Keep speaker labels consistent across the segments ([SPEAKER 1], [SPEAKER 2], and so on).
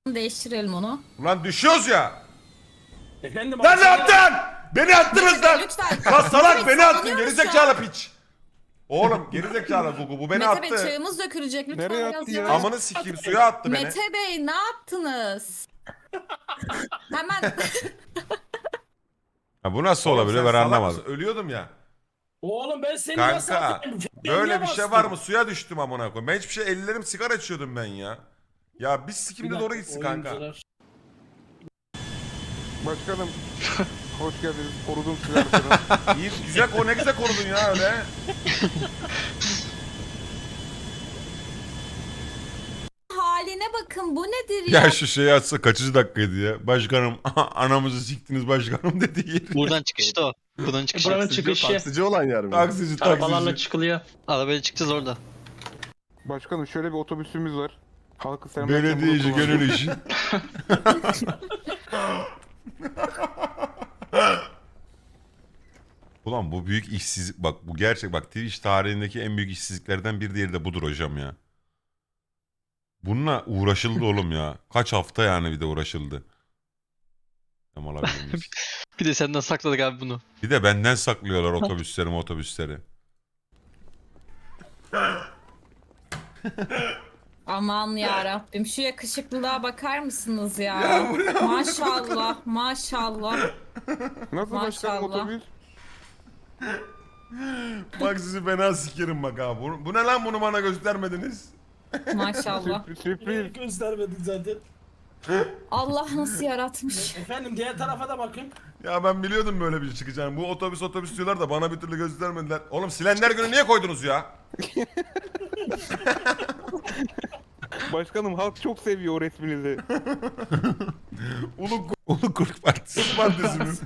[SPEAKER 1] Değiştirelim onu.
[SPEAKER 2] Ulan düşüyoruz ya.
[SPEAKER 3] Efendim
[SPEAKER 2] Lan ne
[SPEAKER 3] abi,
[SPEAKER 2] yaptın? Beni attınız lan.
[SPEAKER 1] Lütfen.
[SPEAKER 2] Lan salak
[SPEAKER 1] Mete
[SPEAKER 2] beni
[SPEAKER 1] Bey,
[SPEAKER 2] attın
[SPEAKER 1] sallanıyor
[SPEAKER 2] gerizekalı
[SPEAKER 1] musun?
[SPEAKER 2] piç. Oğlum gerizekalı Gugu bu beni
[SPEAKER 1] Mete Bey
[SPEAKER 2] attı.
[SPEAKER 1] çayımız dökülecek lütfen
[SPEAKER 4] Nereye
[SPEAKER 1] biraz
[SPEAKER 4] attı ya?
[SPEAKER 1] yavaş.
[SPEAKER 2] Amını sikeyim suya attı beni.
[SPEAKER 1] Mete Bey ne yaptınız? Hemen
[SPEAKER 5] Ha, bu nasıl
[SPEAKER 2] Oğlum
[SPEAKER 5] olabilir
[SPEAKER 2] sen
[SPEAKER 5] ben
[SPEAKER 2] salak
[SPEAKER 5] anlamadım.
[SPEAKER 2] mısın? Ölüyordum ya.
[SPEAKER 3] Oğlum ben seni nasıl
[SPEAKER 2] Kanka
[SPEAKER 3] atayım?
[SPEAKER 2] böyle bir şey
[SPEAKER 3] bastım.
[SPEAKER 2] var mı? Suya düştüm amına koyayım. Ben hiçbir şey ellerim sigara içiyordum ben ya. Ya biz sikimde
[SPEAKER 3] Bir
[SPEAKER 2] doğru
[SPEAKER 3] dakika,
[SPEAKER 2] gitsin kanka.
[SPEAKER 3] oyuncular.
[SPEAKER 4] Başkanım hoş geldiniz. Korudum sizi arkadan.
[SPEAKER 2] İyi güzel ne güzel korudun ya öyle.
[SPEAKER 1] haline bakın bu nedir ya?
[SPEAKER 5] Ya şu şeyi açsa kaçıncı dakikaydı ya? Başkanım anamızı siktiniz başkanım dedi yer.
[SPEAKER 6] Buradan çıkışta o. Buradan çıkışı.
[SPEAKER 3] Buranın çıkışı.
[SPEAKER 7] Taksici olan yer mi?
[SPEAKER 5] Taksici
[SPEAKER 3] Arabalarla
[SPEAKER 5] taksici.
[SPEAKER 3] çıkılıyor.
[SPEAKER 6] Arabayla çıkacağız orada.
[SPEAKER 4] Başkanım şöyle bir otobüsümüz var. Halkı selamlarken
[SPEAKER 5] Belediyeci
[SPEAKER 4] bunu kullanın.
[SPEAKER 5] gönül işi. Ulan bu büyük işsizlik bak bu gerçek bak Twitch tarihindeki en büyük işsizliklerden bir diğeri de budur hocam ya. Bununla uğraşıldı oğlum ya. Kaç hafta yani bir de uğraşıldı. Tam alabilir miyiz?
[SPEAKER 6] Bir de senden sakladık abi bunu.
[SPEAKER 5] Bir de benden saklıyorlar otobüsleri.
[SPEAKER 1] Aman ya Rabbim şu yakışıklılığa bakar mısınız ya? Maşallah maşallah.
[SPEAKER 4] Nasıl başkanım
[SPEAKER 1] Maşallah.
[SPEAKER 4] otobüs?
[SPEAKER 2] Bak sizi fena sikerim bak abi. Bu ne lan bunu bana göstermediniz?
[SPEAKER 1] Maşallah.
[SPEAKER 4] Sürpriz.
[SPEAKER 3] Göstermedik zaten.
[SPEAKER 1] Allah nasıl yaratmış.
[SPEAKER 3] Efendim diğer tarafa da bakın.
[SPEAKER 2] Ya ben biliyordum böyle bir şey çıkacağını. Bu otobüs diyorlar da bana bir türlü göstermediler. Oğlum silenler günü niye koydunuz ya?
[SPEAKER 4] Başkanım halk çok seviyor o resminizi.
[SPEAKER 5] Ulu Kurt Partisi.
[SPEAKER 2] Partisi'niz.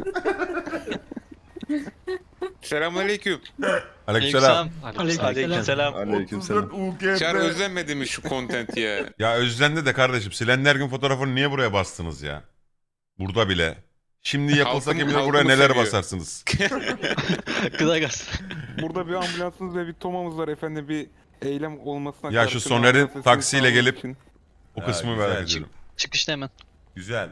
[SPEAKER 8] Selamünaleyküm.
[SPEAKER 5] Aleykümselam.
[SPEAKER 6] Aleykümselam.
[SPEAKER 7] Aleykümselam.
[SPEAKER 2] 34
[SPEAKER 8] Çar
[SPEAKER 2] UKP.
[SPEAKER 8] özlenmedi mi şu content ya?
[SPEAKER 5] Ya özlendi de kardeşim silenler gün fotoğrafını niye buraya bastınız ya? Burada bile. Şimdi yapılsa
[SPEAKER 8] Halkım-
[SPEAKER 5] kim bilir
[SPEAKER 8] halkımı
[SPEAKER 5] buraya neler
[SPEAKER 8] seviyor.
[SPEAKER 5] basarsınız.
[SPEAKER 6] Gıda gaz.
[SPEAKER 4] Burada bir ambulansınız ve bir tomamız var efendim. Bir eylem olmasına
[SPEAKER 5] Ya şu
[SPEAKER 4] karşı
[SPEAKER 5] Soner'in
[SPEAKER 4] ambulans sesini
[SPEAKER 5] taksiyle
[SPEAKER 4] sağlamak
[SPEAKER 5] gelip-
[SPEAKER 4] için
[SPEAKER 5] O
[SPEAKER 2] Ya,
[SPEAKER 5] kısmı
[SPEAKER 2] güzel.
[SPEAKER 5] merak ediyorum.
[SPEAKER 6] Çıkışta hemen.
[SPEAKER 2] Güzel.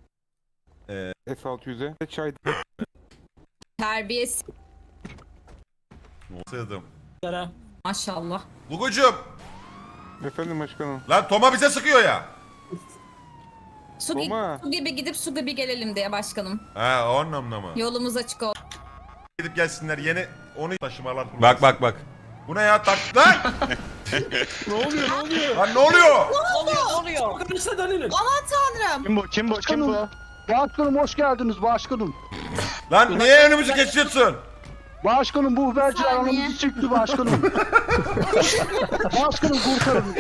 [SPEAKER 4] S600'e çay
[SPEAKER 1] Terbiyesi
[SPEAKER 2] Sığdım.
[SPEAKER 3] Yara.
[SPEAKER 1] maşallah.
[SPEAKER 2] Gugucuğum.
[SPEAKER 4] efendim başkanım.
[SPEAKER 2] Lan Toma bize sıkıyor ya.
[SPEAKER 1] Su,
[SPEAKER 4] Toma.
[SPEAKER 1] su gibi gidip su gibi gelelim diye başkanım.
[SPEAKER 2] Ha o anlamda mı?
[SPEAKER 1] Yolumuz açık olsun.
[SPEAKER 2] Gidip gelsinler yeni onu taşımalar.
[SPEAKER 5] Bak.
[SPEAKER 2] Bu ne ya tak lan?
[SPEAKER 4] Ne oluyor?
[SPEAKER 2] Lan ne oluyor?
[SPEAKER 3] Arkadaşlar dönelim.
[SPEAKER 1] Tanrım.
[SPEAKER 7] Kim bu? Başkanım hoş geldiniz başkanım.
[SPEAKER 2] Lan niye önümüzü geçiyorsun?
[SPEAKER 7] Başkanım bu haberciler
[SPEAKER 1] Saniye.
[SPEAKER 7] anamızı çıktı başkanım. Başkanım kurtarın.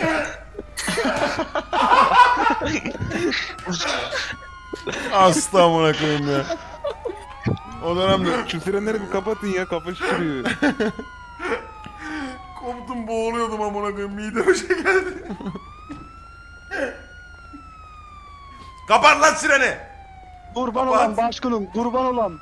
[SPEAKER 5] Asla amına koyayım ya.
[SPEAKER 2] O dönemde
[SPEAKER 4] Şu sirenleri bir kapatın ya kafa şişiriyor.
[SPEAKER 2] koptum boğuluyordum amına koyayım mideme şey geldi. Kapat lan sireni.
[SPEAKER 7] Kurban
[SPEAKER 2] Kapat.
[SPEAKER 7] olan başkanım kurban olan.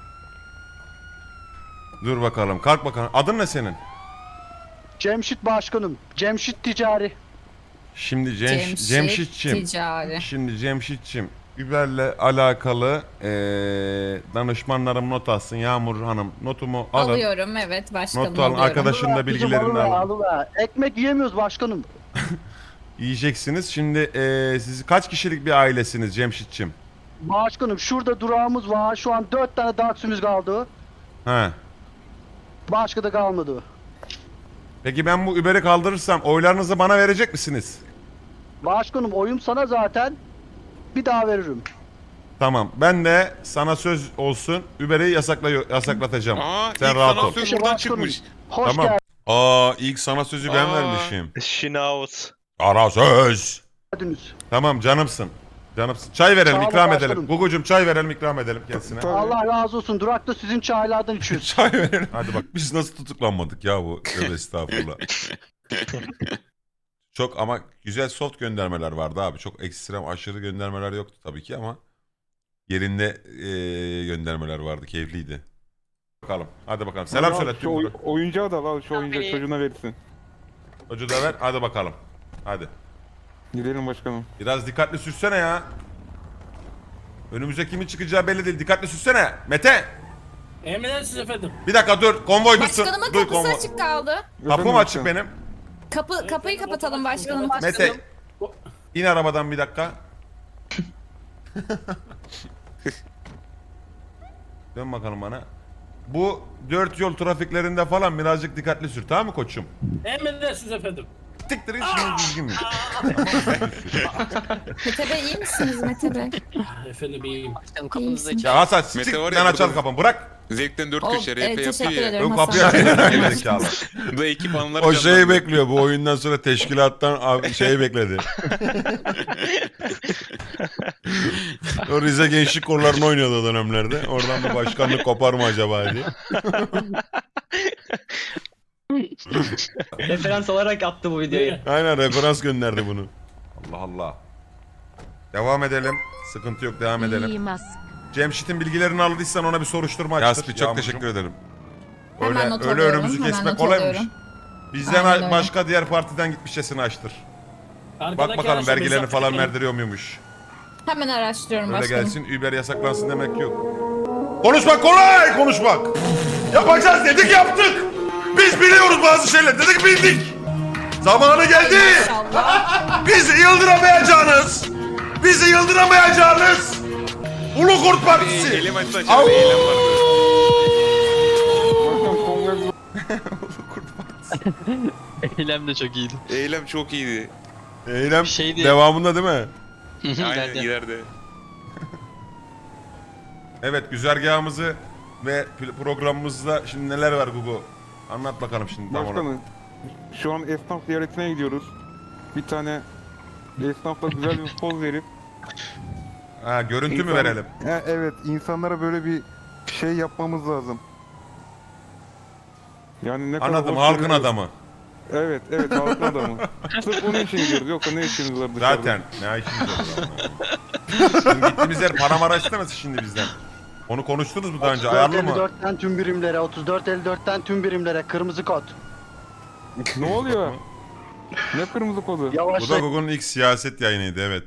[SPEAKER 5] Dur bakalım kalk bakalım. Adın ne senin?
[SPEAKER 7] Cemşit başkanım. Cemşit ticari.
[SPEAKER 5] Şimdi
[SPEAKER 1] Cemşit
[SPEAKER 5] Cemşitçim.
[SPEAKER 1] Ticari.
[SPEAKER 5] Şimdi Cemşitçim. Uber'le alakalı danışmanlarım not alsın. Yağmur Hanım notumu alın.
[SPEAKER 1] Alıyorum evet başkanım
[SPEAKER 5] Not alın
[SPEAKER 1] alıyorum.
[SPEAKER 5] arkadaşın da
[SPEAKER 7] Kızım,
[SPEAKER 5] bilgilerini
[SPEAKER 7] alıver,
[SPEAKER 5] alın.
[SPEAKER 7] alıver. Ekmek yiyemiyoruz başkanım.
[SPEAKER 5] Yiyeceksiniz. Şimdi siz kaç kişilik bir ailesiniz Cemşitçim?
[SPEAKER 7] Başkanım şurada durağımız var. Şu an 4 tane taksimiz kaldı.
[SPEAKER 5] He.
[SPEAKER 7] Başka da kalmadı.
[SPEAKER 5] Peki ben bu Uber'i kaldırırsam oylarınızı bana verecek misiniz?
[SPEAKER 7] Başkanım oyum sana zaten. Bir daha veririm.
[SPEAKER 5] Tamam. Ben de sana söz olsun Uber'i yasaklatacağım.
[SPEAKER 8] Aa
[SPEAKER 5] Sen
[SPEAKER 8] ilk
[SPEAKER 5] rahat
[SPEAKER 8] sana
[SPEAKER 5] ol.
[SPEAKER 8] söz
[SPEAKER 7] İşte
[SPEAKER 8] buradan
[SPEAKER 7] başkanım,
[SPEAKER 8] çıkmış.
[SPEAKER 7] Hoş
[SPEAKER 5] Tamam.
[SPEAKER 7] geldiniz.
[SPEAKER 5] İlk sana sözü ben
[SPEAKER 8] Aa.
[SPEAKER 5] vermişim.
[SPEAKER 9] Şinaus.
[SPEAKER 5] Ara söz. Tamam canımsın. Canımsın. Çay verelim
[SPEAKER 7] Sağ olun
[SPEAKER 5] ikram
[SPEAKER 7] başkanım.
[SPEAKER 5] edelim. Gugucum çay verelim ikram edelim kendisine.
[SPEAKER 4] Tabii.
[SPEAKER 7] Allah razı olsun. Durakta sizin çaylardan içiyoruz.
[SPEAKER 5] Çay verelim. Hadi bak biz nasıl tutuklanmadık ya bu. Tövbe estağfurullah. Çok ama güzel soft göndermeler vardı abi. Çok ekstrem aşırı göndermeler yoktu tabii ki ama yerinde göndermeler vardı. Keyifliydi. Bakalım. Hadi bakalım. Selam
[SPEAKER 4] Al,
[SPEAKER 5] söyle.
[SPEAKER 4] Şu oyuncağı da al şu oyuncağı çocuğuna verirsin.
[SPEAKER 5] Çocuğu da ver. Hadi bakalım. Hadi.
[SPEAKER 4] Gidelim başkanım.
[SPEAKER 2] Biraz dikkatli sürsene ya. Önümüze kimin çıkacağı belli değil. Dikkatli sürsene. Mete.
[SPEAKER 3] Emredersiniz efendim.
[SPEAKER 2] Bir dakika dur. Konvoy dursun.
[SPEAKER 1] Başkanımın
[SPEAKER 2] Dur
[SPEAKER 1] kapısı
[SPEAKER 2] konvoy.
[SPEAKER 1] açık kaldı.
[SPEAKER 2] Kapım
[SPEAKER 4] Efendim
[SPEAKER 2] açık
[SPEAKER 4] başkanım.
[SPEAKER 2] benim.
[SPEAKER 1] Kapıyı kapatalım başkanım.
[SPEAKER 2] Mete. İn arabadan bir dakika. Dön bakalım bana. Bu 4 yol trafiklerinde falan birazcık dikkatli sür, tamam mı koçum?
[SPEAKER 3] Emredersiniz efendim.
[SPEAKER 2] Siktir git şimdi düzgün mü?
[SPEAKER 1] Mete Bey iyi misiniz Mete Bey?
[SPEAKER 3] Efendim iyiyim.
[SPEAKER 6] Başkanım
[SPEAKER 1] kapınızı
[SPEAKER 6] kapınızda
[SPEAKER 2] Ya Hasan siktir
[SPEAKER 8] Mete var
[SPEAKER 2] git
[SPEAKER 8] ya,
[SPEAKER 2] lan açalım
[SPEAKER 8] burada-
[SPEAKER 2] kapını bırak.
[SPEAKER 8] Zevkten 4
[SPEAKER 1] Oh,
[SPEAKER 8] köşe RP yapıyor
[SPEAKER 1] teşekkür
[SPEAKER 8] ya.
[SPEAKER 1] ederim
[SPEAKER 2] Ön
[SPEAKER 1] Hasan.
[SPEAKER 2] kapıyı açayım zekalı.
[SPEAKER 8] Bu da ekip anıları
[SPEAKER 5] O şeyi
[SPEAKER 8] canlandı.
[SPEAKER 5] bekliyor. Bu oyundan sonra teşkilattan şeyi bekledi. O Rize Gençlik Kolları'nı oynuyordu o dönemlerde. Oradan bir başkanlık kopar mı acaba diye.
[SPEAKER 9] Referans olarak attı bu videoyu.
[SPEAKER 5] Aynen referans gönderdi bunu.
[SPEAKER 2] Allah Allah. Devam edelim. Sıkıntı yok, devam edelim. Cemşit'in bilgilerini aldıysan ona bir soruşturma açtır.
[SPEAKER 5] Yaspi çok
[SPEAKER 2] Yağmurcuğum.
[SPEAKER 5] teşekkür ederim.
[SPEAKER 1] Hemen not
[SPEAKER 2] Öyle
[SPEAKER 1] alıyorum,
[SPEAKER 2] önümüzü
[SPEAKER 1] hemen
[SPEAKER 2] kesmek
[SPEAKER 1] not
[SPEAKER 2] kolaymış.
[SPEAKER 1] alıyorum.
[SPEAKER 2] Bizden
[SPEAKER 1] Aynen öyle.
[SPEAKER 2] başka diğer partiden gitmişçesini açtır. Bak
[SPEAKER 3] Arkadaki
[SPEAKER 2] bakalım
[SPEAKER 3] araçla
[SPEAKER 2] vergilerini
[SPEAKER 3] mesafe
[SPEAKER 2] falan
[SPEAKER 3] verin.
[SPEAKER 2] verdiriyor muymuş.
[SPEAKER 1] Hemen araştırıyorum
[SPEAKER 2] Öyle
[SPEAKER 1] başkanım.
[SPEAKER 2] gelsin, Uber yasaklansın demek yok. Konuşmak kolay, konuşmak. Yapacağız dedik, yaptık. Biz biliyoruz bazı şeyler, dedik bildik. Zamanı geldi.
[SPEAKER 1] İnşallah.
[SPEAKER 2] Bizi yıldıramayacağınız. Bizi yıldıramayacağınız. Ulu Kurt
[SPEAKER 8] Bir
[SPEAKER 2] Partisi.
[SPEAKER 8] eylem açtı aşağıda eylem vardı.
[SPEAKER 4] Başkanım konvoy
[SPEAKER 6] Eylem de çok iyiydi.
[SPEAKER 8] Eylem çok iyiydi.
[SPEAKER 5] Eylem
[SPEAKER 6] Şeydi-
[SPEAKER 5] devamında değil mi?
[SPEAKER 8] Aynen
[SPEAKER 6] İleride.
[SPEAKER 8] ileride.
[SPEAKER 2] Evet, güzergahımızı ve programımızda şimdi neler var Gugu? Anlat bakalım şimdi tam onu.
[SPEAKER 4] başkanım. Şu an esnaf ziyaretine gidiyoruz. Bir tane esnafla güzel bir poz verip
[SPEAKER 2] Ha, görüntü mü
[SPEAKER 4] İnsan-
[SPEAKER 2] verelim?
[SPEAKER 4] Evet, insanlara böyle bir şey yapmamız lazım. Yani ne kadar
[SPEAKER 2] Anladım,
[SPEAKER 4] hoş
[SPEAKER 2] halkın
[SPEAKER 4] görünüyor.
[SPEAKER 2] adamı.
[SPEAKER 4] Evet, halkın adamı. Sırf onun için gidiyoruz. Yoksa ne işimiz var dışarıda?
[SPEAKER 2] Zaten ne işimiz olur ama. Şimdi gittiğimiz yer para mara istemesin şimdi bizden. Onu konuştunuz mu daha önce? Ayarlı mı?
[SPEAKER 7] 34.54'ten tüm birimlere, 34.54'ten tüm birimlere kırmızı kod.
[SPEAKER 4] Ne oluyor? Ne kırmızı kodu?
[SPEAKER 2] Bu da
[SPEAKER 7] Yavaşlayın.
[SPEAKER 2] Google'un ilk siyaset yayınıydı, evet.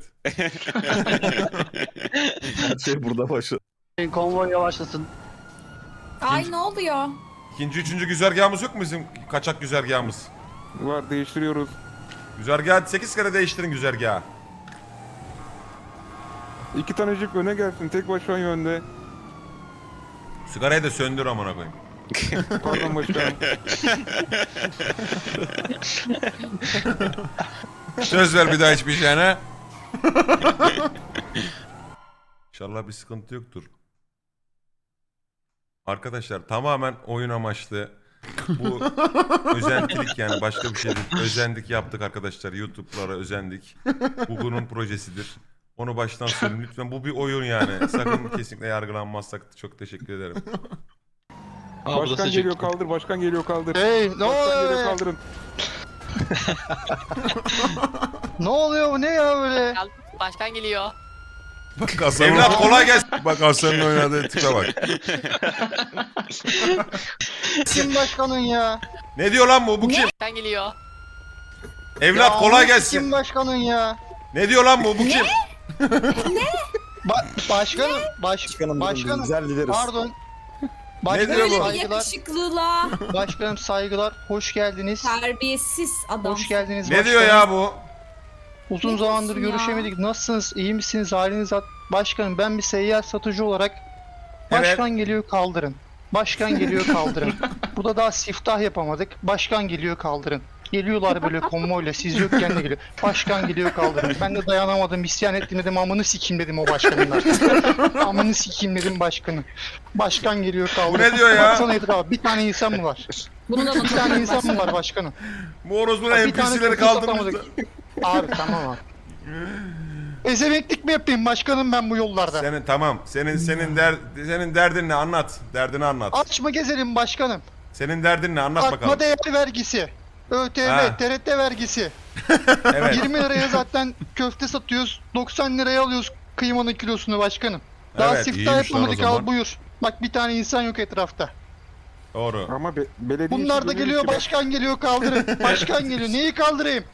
[SPEAKER 7] Konvoy yavaşlasın.
[SPEAKER 1] Ay ne oluyor?
[SPEAKER 2] İkinci, üçüncü güzergahımız yok mu bizim kaçak güzergahımız?
[SPEAKER 4] Var, değiştiriyoruz.
[SPEAKER 2] Güzergahı 8 kere değiştirin güzergahı.
[SPEAKER 4] 2 tane jip öne gelsin. Tek başına yönde.
[SPEAKER 2] Sigarayı da söndür amına koyayım.
[SPEAKER 4] Pardon başkanım.
[SPEAKER 2] Söz ver bir daha hiçbir şeyine. İnşallah bir sıkıntı yoktur. Arkadaşlar tamamen oyun amaçlı. Bu özentilik, yani başka bir şey değil. Özendik yaptık arkadaşlar. YouTube'lara özendik. Bu bunun projesidir. Onu baştan söyleyeyim lütfen. Bu bir oyun yani. Sakın kesinlikle yargılanmazsak çok teşekkür ederim.
[SPEAKER 6] Aa, bu da
[SPEAKER 4] Başkan
[SPEAKER 6] sıcak.
[SPEAKER 4] geliyor kaldır, başkan geliyor kaldır.
[SPEAKER 7] Hey, ne
[SPEAKER 4] Başkan geliyor
[SPEAKER 7] oluyor?
[SPEAKER 4] kaldırın.
[SPEAKER 7] Ne oluyor bu ne ya böyle?
[SPEAKER 6] Başkan geliyor.
[SPEAKER 5] Bak Hasan'ın,
[SPEAKER 2] Evlat kolay gelsin.
[SPEAKER 5] bak Hasan'ın oynadığı tipe bak.
[SPEAKER 7] Kim başkanın ya?
[SPEAKER 2] Ne diyor lan bu? Bu kim?
[SPEAKER 6] Başkan geliyor.
[SPEAKER 2] Evlat
[SPEAKER 7] Ya,
[SPEAKER 2] kolay
[SPEAKER 7] Kim
[SPEAKER 2] gelsin.
[SPEAKER 7] başkanın ya?
[SPEAKER 2] Ne diyor lan bu? Bu kim?
[SPEAKER 7] Başkanım, başkanım.
[SPEAKER 9] güzel lideriz.
[SPEAKER 7] Pardon.
[SPEAKER 2] Ne diyor
[SPEAKER 7] Başkanım
[SPEAKER 2] bu?
[SPEAKER 1] Böyle bir
[SPEAKER 7] saygılar.
[SPEAKER 1] yakışıklılığa.
[SPEAKER 7] Başkanım saygılar. Hoş geldiniz.
[SPEAKER 1] Terbiyesiz adam.
[SPEAKER 7] Hoş geldiniz
[SPEAKER 2] Ne
[SPEAKER 7] başkanım.
[SPEAKER 2] diyor ya bu?
[SPEAKER 7] Uzun
[SPEAKER 1] Ne
[SPEAKER 7] zamandır
[SPEAKER 1] diyorsun ya?
[SPEAKER 7] görüşemedik. Nasılsınız? İyi misiniz? Haliniz başkanım ben bir seyyar satıcı olarak
[SPEAKER 2] Evet.
[SPEAKER 7] başkan geliyor kaldırın. Başkan geliyor kaldırın. Burada daha siftah yapamadık. Başkan geliyor kaldırın. Geliyorlar böyle konvoyla siz yokken de geliyor. Başkan geliyor kaldırın. Ben de dayanamadım, isyan ettim dedim, amını sikeyim dedim o başkanlar. Amını sikeyim dedim başkanı. Başkan geliyor kaldırın.
[SPEAKER 2] Bu ne diyor ya?
[SPEAKER 7] Baksana etrafa, bir tane insan mı var?
[SPEAKER 1] Bunu da
[SPEAKER 7] Bir
[SPEAKER 1] not
[SPEAKER 7] tane
[SPEAKER 1] alıyorum
[SPEAKER 7] insan mı
[SPEAKER 1] başkanım.
[SPEAKER 7] var başkanım?
[SPEAKER 2] Bu orospu'nun
[SPEAKER 7] Bir tane
[SPEAKER 2] NPC'leri
[SPEAKER 7] köprü
[SPEAKER 2] kaldırmışlar.
[SPEAKER 7] satamadık. Abi tamam abi. Ezemeklik mi yapayım başkanım ben bu yollarda?
[SPEAKER 2] Senin tamam. Senin derdin ne? Anlat. Derdini anlat.
[SPEAKER 7] Aç mı gezelim başkanım?
[SPEAKER 2] Senin derdin ne? Anlat
[SPEAKER 7] Artma
[SPEAKER 2] bakalım.
[SPEAKER 7] değer vergisi. ÖTV,
[SPEAKER 2] Ha.
[SPEAKER 7] TRT vergisi.
[SPEAKER 2] Evet.
[SPEAKER 7] 20 liraya zaten köfte satıyoruz. 90 liraya alıyoruz kıymanın kilosunu başkanım. Daha
[SPEAKER 2] Evet,
[SPEAKER 7] siftah
[SPEAKER 2] iyiymiş lan o
[SPEAKER 7] yapmadık
[SPEAKER 2] zaman.
[SPEAKER 7] al buyur. Bak bir tane insan yok etrafta.
[SPEAKER 2] Doğru.
[SPEAKER 4] Ama belediye
[SPEAKER 7] Bunlar
[SPEAKER 4] işi
[SPEAKER 7] da
[SPEAKER 4] böyle
[SPEAKER 7] geliyor
[SPEAKER 4] ki bak.
[SPEAKER 7] başkan geliyor kaldırın. Başkan geliyor neyi kaldırayım?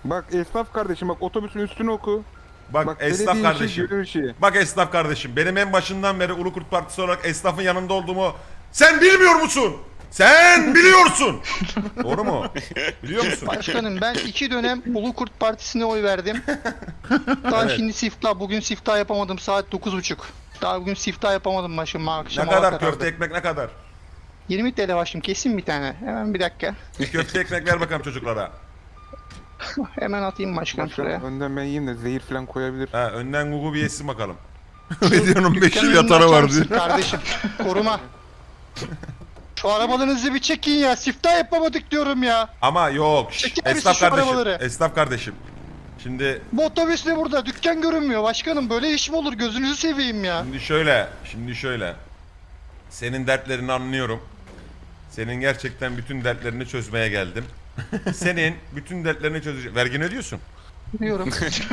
[SPEAKER 4] Bak esnaf kardeşim bak otobüsün üstünü oku.
[SPEAKER 2] Bak esnaf
[SPEAKER 4] belediye işi,
[SPEAKER 2] kardeşim.
[SPEAKER 4] gönül işi.
[SPEAKER 2] Bak esnaf kardeşim. Benim en başından beri Ulu Kurt Partisi olarak esnafın yanında olduğumu sen bilmiyor musun? Sen biliyorsun. Doğru mu? Biliyor musun?
[SPEAKER 7] Başkanım ben 2 dönem Ulu Kurt Partisi'ne oy verdim. Daha
[SPEAKER 2] Evet.
[SPEAKER 7] şimdi siftah, bugün siftah yapamadım saat 9.30. Daha bugün siftah yapamadım başım akşam.
[SPEAKER 2] Ne kadar köfte ekmek ne kadar?
[SPEAKER 7] 20 TL başım kesin bir tane. Hemen bir dakika.
[SPEAKER 2] Bir köfte ekmek ver bakalım çocuklara.
[SPEAKER 7] Hemen atayım başkan şuraya.
[SPEAKER 4] Başkan önden ben yiyeyim de zehir falan koyabilir.
[SPEAKER 2] Ha, önden Google bir yesin bakalım. Ne diyorsun 5
[SPEAKER 7] Dükkanın
[SPEAKER 2] yıl
[SPEAKER 7] önünü
[SPEAKER 2] yatara
[SPEAKER 7] açar
[SPEAKER 2] var
[SPEAKER 7] mısın
[SPEAKER 2] diyor.
[SPEAKER 7] Kardeşim koruma. Şu arabalarınızı bir çekin ya. Siftah yapamadık diyorum ya.
[SPEAKER 2] Ama yok.
[SPEAKER 7] Çeker misin
[SPEAKER 2] Esnaf
[SPEAKER 7] şu
[SPEAKER 2] kardeşim.
[SPEAKER 7] arabaları?
[SPEAKER 2] Esnaf kardeşim. Şimdi
[SPEAKER 7] Bu otobüs ne burada? Dükkan görünmüyor başkanım. Böyle iş mi olur? Gözünüzü seveyim ya.
[SPEAKER 2] Şimdi şöyle. Senin dertlerini anlıyorum. Senin gerçekten bütün dertlerini çözmeye geldim. Senin bütün dertlerini çözeceğim. Vergini ödüyorsun.
[SPEAKER 7] Diyorum.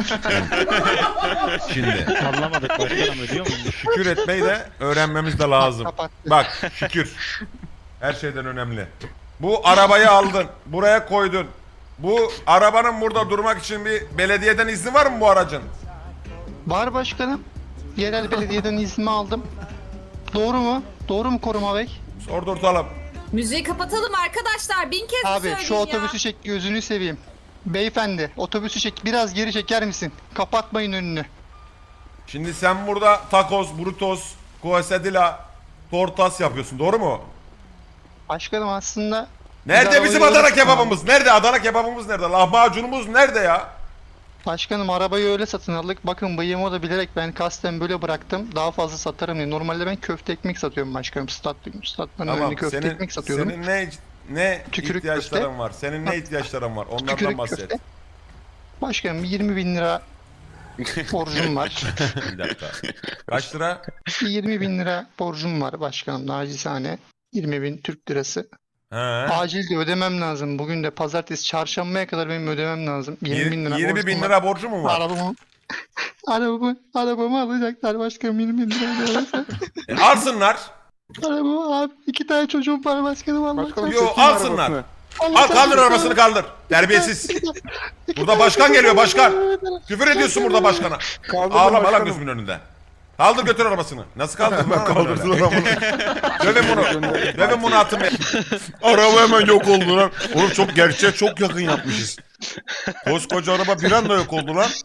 [SPEAKER 2] Şimdi
[SPEAKER 9] Anlamadık başkanım, ödüyor muyum?
[SPEAKER 2] şükür etmeyi de öğrenmemiz de lazım.
[SPEAKER 7] Kapattı.
[SPEAKER 2] Bak şükür. Her şeyden önemli. Bu arabayı aldın. Buraya koydun. Bu arabanın burada durmak için bir belediyeden izni var mı bu aracın?
[SPEAKER 7] Var başkanım. Yerel belediyeden iznimi aldım. Doğru mu? Doğru mu koruma bey?
[SPEAKER 2] Sordurtalım.
[SPEAKER 1] Müziği kapatalım arkadaşlar. 1000 kez
[SPEAKER 7] Abi
[SPEAKER 1] söyleyin
[SPEAKER 7] şu
[SPEAKER 1] ya.
[SPEAKER 7] otobüsü çek gözünü seveyim. Beyefendi otobüsü çek biraz geri çeker misin? Kapatmayın önünü.
[SPEAKER 2] Şimdi sen burada tacos, burritos, quesadilla, tortas yapıyorsun doğru mu?
[SPEAKER 7] Başkanım aslında...
[SPEAKER 2] Nerede
[SPEAKER 7] Biz
[SPEAKER 2] bizim
[SPEAKER 7] arabayı
[SPEAKER 2] Adana
[SPEAKER 7] öyle
[SPEAKER 2] kebabımız? Nerede Adana kebabımız nerede? Lahmacunumuz nerede ya?
[SPEAKER 7] Başkanım arabayı öyle satın aldık. Bakın bıyığımı da bilerek ben kasten böyle bıraktım. Daha fazla satarım diye. Normalde ben köfte ekmek satıyorum başkanım. Statların önünde köfte ekmek satıyordum.
[SPEAKER 2] senin ne
[SPEAKER 7] Tükürük
[SPEAKER 2] ihtiyaçların
[SPEAKER 7] köfte.
[SPEAKER 2] var? Senin ne ihtiyaçların var? Onlardan
[SPEAKER 7] Tükürük
[SPEAKER 2] bahset.
[SPEAKER 7] köfte. Başkanım 20.000 lira borcum var.
[SPEAKER 2] Bir dakika. Kaç lira?
[SPEAKER 7] 20.000 lira borcum var başkanım nacizane. 20.000 Türk lirası.
[SPEAKER 2] He.
[SPEAKER 7] Acil de ödemem lazım. Bugün de pazartesi çarşambaya kadar benim ödemem lazım. 20.000 lira
[SPEAKER 2] 20
[SPEAKER 7] borcum
[SPEAKER 2] bin
[SPEAKER 7] var.
[SPEAKER 2] lira borcu mu var?
[SPEAKER 7] Arabamı alacaklar başkanım 20.000 lira ödemezse.
[SPEAKER 2] Alsınlar.
[SPEAKER 7] Arabamı abi 2 tane çocuğum var başkanım Allah
[SPEAKER 4] Başkanım
[SPEAKER 2] Yo,
[SPEAKER 4] çekin
[SPEAKER 2] alsınlar.
[SPEAKER 4] arabasını.
[SPEAKER 2] Al kaldır arabasını kaldır. Terbiyesiz. Burada başkan geliyor başkan. Küfür ediyorsun burada başkana.
[SPEAKER 4] Kaldırın
[SPEAKER 2] Ağlama lan
[SPEAKER 4] başkanım.
[SPEAKER 2] gözümün önünde. Kaldır götür arabasını. Nasıl kaldır lan kaldırsın arabamı. Dövün bunu. Dövün bunu atın. Araba hemen yok oldu lan. Oğlum çok gerçeğe çok yakın yapmışız. Koskoca araba bir anda yok oldu lan.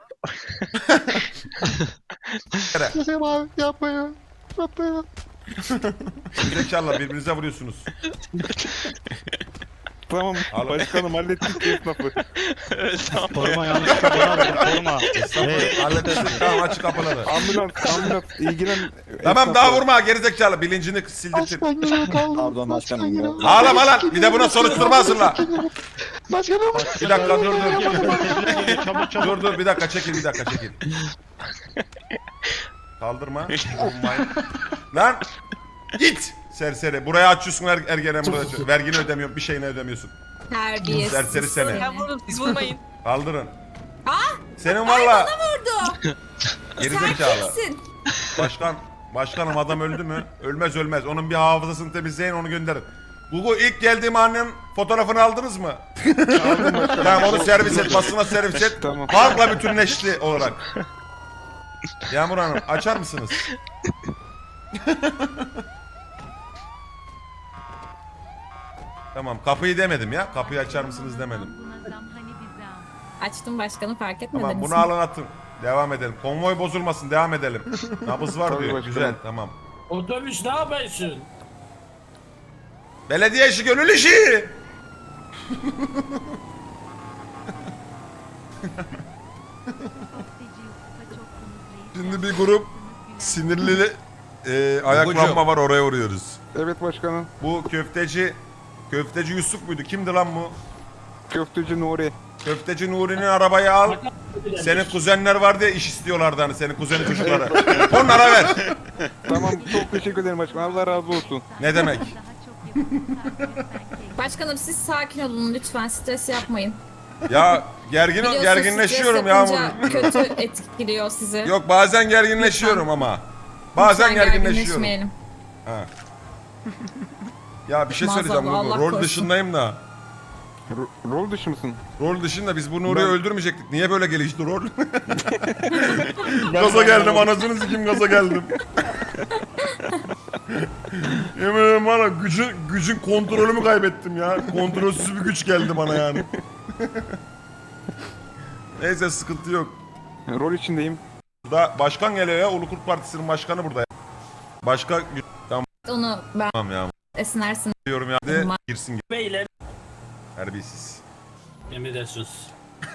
[SPEAKER 7] Başkanım abi yapmayın. Yapmayın.
[SPEAKER 2] Zekalar birbirinize vuruyorsunuz.
[SPEAKER 4] Tamam
[SPEAKER 2] Al.
[SPEAKER 4] başkanım hallettik esnafı.
[SPEAKER 9] Koruma yanlışlıkla bana aldı, koruma.
[SPEAKER 2] Halledilsin. Tamam açık kapıları.
[SPEAKER 4] Ambulans ilgilen.
[SPEAKER 2] Tamam
[SPEAKER 4] esnafla.
[SPEAKER 2] daha vurma gerizekalı bilincini sildirtin.
[SPEAKER 7] Başkan geliyor kaldım.
[SPEAKER 10] Pardon başkanım ya.
[SPEAKER 2] Ağlama lan bir de buna soruşturma hazırla.
[SPEAKER 7] Başkanım.
[SPEAKER 2] Bir dakika dur.
[SPEAKER 9] Çabuk çabuk.
[SPEAKER 2] Dur bir dakika çekil. Kaldırma. Vurmayın. Lan git serseri. Buraya açıyorsun ergenen burada. Vergini ödemiyorsun bir şeyini ödemiyorsun.
[SPEAKER 1] Terbiyesiz.
[SPEAKER 2] Serseri seni.
[SPEAKER 6] Ya vurun siz vurmayın.
[SPEAKER 2] Kaldırın.
[SPEAKER 1] Ah!
[SPEAKER 2] Senin valla
[SPEAKER 1] Vurdu.
[SPEAKER 2] gerizekalı.
[SPEAKER 1] Kimsin?
[SPEAKER 2] Başkanım adam öldü mü? Ölmez. Onun bir hafızasını temizleyin onu gönderin. Google ilk geldiğim anın fotoğrafını aldınız mı? Tamam onu servis et, basına servis et.
[SPEAKER 4] Tamam.
[SPEAKER 2] Halkla bütünleşti olarak. Yağmur Hanım açar mısınız? Tamam kapıyı demedim ya. Kapıyı açar mısınız demedim.
[SPEAKER 1] Açtım başkanı fark etmediniz
[SPEAKER 2] Tamam bunu
[SPEAKER 1] mi?
[SPEAKER 2] alın atın. Devam edelim. Konvoy bozulmasın devam edelim. Nabız var
[SPEAKER 4] Tabii
[SPEAKER 2] diyor.
[SPEAKER 4] başkanım.
[SPEAKER 2] Güzel tamam.
[SPEAKER 3] Otobüs ne yapıyorsun?
[SPEAKER 2] Belediye işi gönül işi. Şimdi bir grup sinirli ayaklanma var oraya vuruyoruz.
[SPEAKER 4] Evet başkanım.
[SPEAKER 2] Bu köfteci Yusuf muydu? Kimdi lan bu?
[SPEAKER 4] Köfteci Nuri.
[SPEAKER 2] Köfteci Nuri'nin arabayı al. Senin kuzenler var diye iş istiyorlardı hani senin kuzenin çocukları. Onlara ver.
[SPEAKER 4] Tamam çok teşekkür ederim başkanım. Allah razı olsun.
[SPEAKER 2] Ne demek?
[SPEAKER 1] Başkanım siz sakin olun lütfen stres yapmayın.
[SPEAKER 2] Ya
[SPEAKER 1] Biliyorsunuz
[SPEAKER 2] gerginleşiyorum
[SPEAKER 1] stres
[SPEAKER 2] Yağmur.
[SPEAKER 1] yapınca kötü etkiliyor sizi.
[SPEAKER 2] Yok bazen gerginleşiyorum ama. Bazen
[SPEAKER 1] Lütfen
[SPEAKER 2] gerginleşiyorum.
[SPEAKER 1] gerginleşmeyelim.
[SPEAKER 2] Ha. Ya bir şey
[SPEAKER 1] Maazallah,
[SPEAKER 2] söyleyeceğim.
[SPEAKER 1] Allah
[SPEAKER 2] Rol
[SPEAKER 1] korusun.
[SPEAKER 2] dışındayım da.
[SPEAKER 4] Rol dışı mısın?
[SPEAKER 2] Rol dışında biz bu Nuri'yi
[SPEAKER 4] Ben-
[SPEAKER 2] öldürmeyecektik. Niye böyle gelişti rol? Gaza geldim anasını sikim gaza geldim. Yemin ederim bana gücün kontrolümü kaybettim ya. Kontrolsüz bir güç geldi bana yani. Neyse sıkıntı yok.
[SPEAKER 4] Rol içindeyim.
[SPEAKER 2] Burada başkan geliyor ya. Ulu Kurt Partisi'nin başkanı burada ya. Başka
[SPEAKER 1] Onu ben
[SPEAKER 2] tamam ya.
[SPEAKER 1] esnersin.
[SPEAKER 2] Diyorum ya. De girsin
[SPEAKER 3] Beyler.
[SPEAKER 2] terbiyesiz.
[SPEAKER 3] Emredersiniz.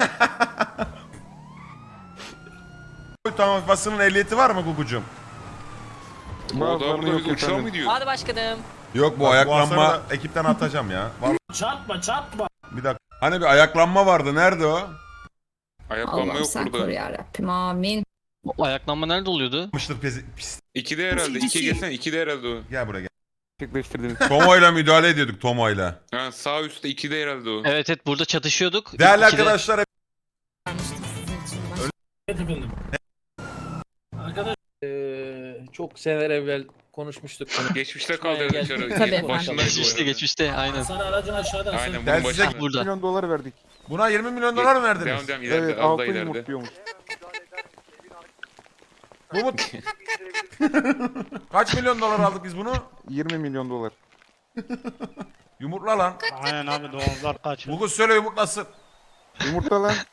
[SPEAKER 2] Tamam basının ehliyeti var mı Gugucuğum?
[SPEAKER 8] O da
[SPEAKER 4] Bazılarında
[SPEAKER 8] burada
[SPEAKER 4] yok
[SPEAKER 8] bir uçağa
[SPEAKER 4] efendim.
[SPEAKER 8] mı diyor?
[SPEAKER 6] Hadi başkanım.
[SPEAKER 5] Yok bu
[SPEAKER 2] Bak,
[SPEAKER 5] ayaklanma.
[SPEAKER 2] aslanı da ekipten atacağım ya. Vallahi
[SPEAKER 3] Çarpma.
[SPEAKER 2] bir dakika.
[SPEAKER 5] Hani bir ayaklanma vardı. Nerede o?
[SPEAKER 8] Ayaklanma
[SPEAKER 1] Allah'ım
[SPEAKER 8] yok
[SPEAKER 1] sen koru
[SPEAKER 8] burada.
[SPEAKER 1] yarabbim amin.
[SPEAKER 6] O ayaklanma nerede oluyordu?
[SPEAKER 2] Yapmıştır pis.
[SPEAKER 8] 2'de herhalde. 2'ye gelsene. 2'de herhalde o.
[SPEAKER 2] Gel buraya gel.
[SPEAKER 4] Gerçekleştirdiniz.
[SPEAKER 5] Tomo'yla müdahale ediyorduk Tomo'yla.
[SPEAKER 8] Ha, sağ üstte 2'de herhalde o.
[SPEAKER 6] Evet burada çatışıyorduk.
[SPEAKER 2] Değerli
[SPEAKER 6] İkide-
[SPEAKER 2] arkadaşlar
[SPEAKER 1] Vermiştim sizin için. Başka
[SPEAKER 3] Evet efendim. Arkadaş
[SPEAKER 10] Çok seneler evvel konuşmuştuk.
[SPEAKER 8] Geçmişte kaldı
[SPEAKER 10] Gel, gel.
[SPEAKER 8] dışarı.
[SPEAKER 1] Tabii efendim.
[SPEAKER 8] Başındaydı
[SPEAKER 6] Geçmişte geçmişte aynen.
[SPEAKER 3] sana aracın aşağıda.
[SPEAKER 8] Aynen
[SPEAKER 2] Ben
[SPEAKER 8] bunun
[SPEAKER 2] size-
[SPEAKER 8] başında.
[SPEAKER 6] Burada.
[SPEAKER 4] $1 milyon verdik.
[SPEAKER 2] buna 20 milyon dolar mı verdiniz?
[SPEAKER 8] Devam ileride.
[SPEAKER 4] Evet
[SPEAKER 8] Az da
[SPEAKER 4] 6
[SPEAKER 8] ileride.
[SPEAKER 4] yumurtluyormuş.
[SPEAKER 2] Bu mu? Kaç milyon dolar aldık biz bunu?
[SPEAKER 4] 20 milyon dolar.
[SPEAKER 2] Yumurtla lan.
[SPEAKER 9] Aynen abi domuzlar kaç.
[SPEAKER 2] Google söyle yumurtlasın.
[SPEAKER 4] Yumurta lan.